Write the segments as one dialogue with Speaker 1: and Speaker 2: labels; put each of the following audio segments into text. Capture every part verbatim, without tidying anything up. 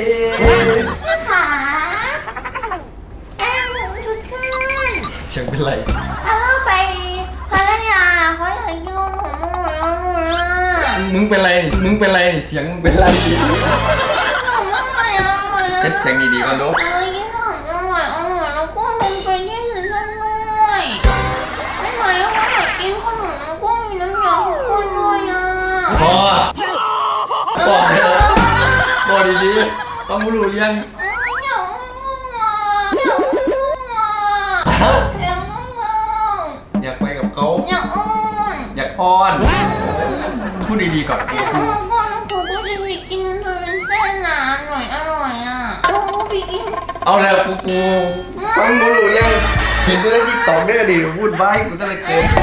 Speaker 1: ขาแก้มหนูชุดขึ้น
Speaker 2: เสียงเป็นไร
Speaker 1: เอาไปพัทยาเขาอยากยุ่งหนูหนูอ่ะ
Speaker 2: มึงเป็นไรมึงเป็นไรเสียงมึงเป็นไร
Speaker 1: หนูไม่ไหวแล้วหมดแล้ว
Speaker 2: เป็นเสียงดีๆก่อนดู
Speaker 1: เอ้ยยิ่งหอมอร่อยอร่อยแล้วก็ลงไปที่อื่นด้วยไม่ไหวแล้วอยากกินขนมแล้วก็มีน้ำยาทุกคนด้วยอ่ะ
Speaker 2: พอบอกเถอะบอกดีๆต้องรู้เรื่อง
Speaker 1: เอ้ยอยากง่วงอ่ะอยากง่วงอ่ะอยากง่วงอ่ะ
Speaker 2: อยากไปกับเขา
Speaker 1: อยากอ้อน
Speaker 2: อยากอ้อนพูดดีๆก่อน
Speaker 1: อยากอ้อนก่อนแล้วกูก็จะไปกินเธอเป็นเส้นน่ะอร่อยอร่อยอ่ะแล้วกูไปกิน
Speaker 2: เอาแล้วกูกูฟังรู้รู้เรื่องเห็นตัวในติ๊กต็อกได้ก็ดีพูดไว้กูจะเลยเกิน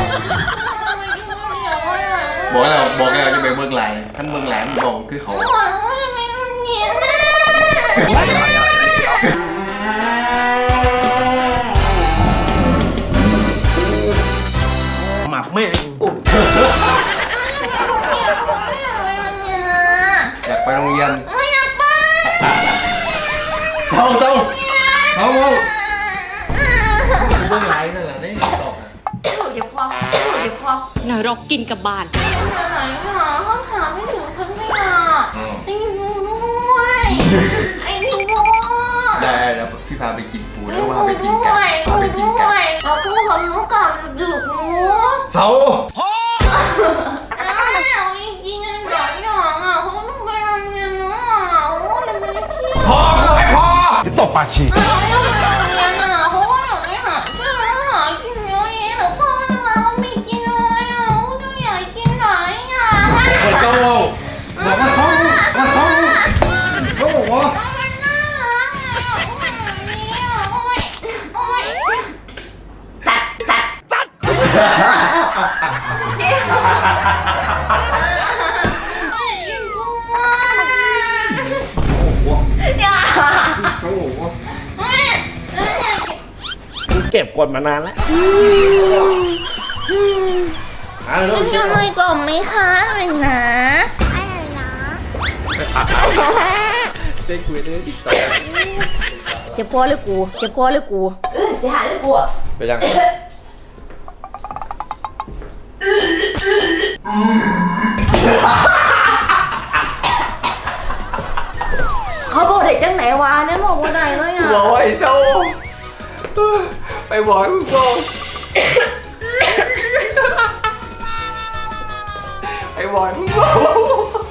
Speaker 2: บอกแล้วบอกแล้วจะไปเมืองไหลท่านเมืองไหลมันบอกคือเขา หมักไม่อุ๊บอยากไปโรงเรียนเศร้าเศร้าเศร้าเศร้าเบื้องไหลนั่นแหละได้ตอบ
Speaker 1: เจ็บคอเจ็บคอน
Speaker 3: รกกินกับบ้าน
Speaker 1: ไหนหาห้องถามไม่ถูกฉันไม่อยากไอ้หนูด้วยไอ้พี่พ่อ
Speaker 2: ได้แล้วพี่พาไปกินปู
Speaker 1: ไอ้
Speaker 2: แล้ว
Speaker 1: ห
Speaker 2: พา
Speaker 1: นู
Speaker 2: ไปกิน
Speaker 1: ด้
Speaker 2: กั
Speaker 1: วน ย
Speaker 2: พาไป
Speaker 1: ห
Speaker 2: กิ
Speaker 1: นู
Speaker 2: นกั
Speaker 1: ด้วน ยเอากูของหนูกับดึกหนู
Speaker 2: เศร้า
Speaker 1: เอาจริงๆไอ้หลานหยองอ่ะเขาต้องไปโรงเรียนนะโอ้ยมันไม่เที่ยว
Speaker 2: พอไม่พอ
Speaker 4: จะตบปากฉีก
Speaker 1: เขาต้องไปโรงเรียนอ่ะเพราะว่าหนูไม่หาเพื่อนหากินเยอะแยะหนูก็ไม่มาไม่กินเลยอ่ะหนูอยากกินไหนอ่ะ
Speaker 2: เปิดเจ้าบอกว่าเศร้าว่าเศร้าเศร้าวะ
Speaker 1: มันน่ารักอ่ะโอ้ยนี่อ่ะโอ้ยโอ้ยสัตว์สัตว์สัตว์เที่ยวโอ้ยกินกุ้งอ่ะอย่า
Speaker 2: เศร้าวะ
Speaker 1: โอ้ยโอ้ย
Speaker 4: เก็บกดมานานแล้ว
Speaker 2: อ่ะเร็ว
Speaker 1: มันจะไม่กล่อมไหมคะอะไรนะอะไรนะ
Speaker 2: เซ็กคุยได้ติ๊กต็อก
Speaker 1: เจ็บคอเลยกูเจ็บคอเลยกูเออจะหาเลยกู
Speaker 2: ไปยัง
Speaker 1: เขาบอกเด็กจังไหนวะเนี่ยบอกว่าไหนเลยอ่ะ
Speaker 2: บอกว่าไอ้เศร้าไปบอกมึงบอกไปบอกมึงบอก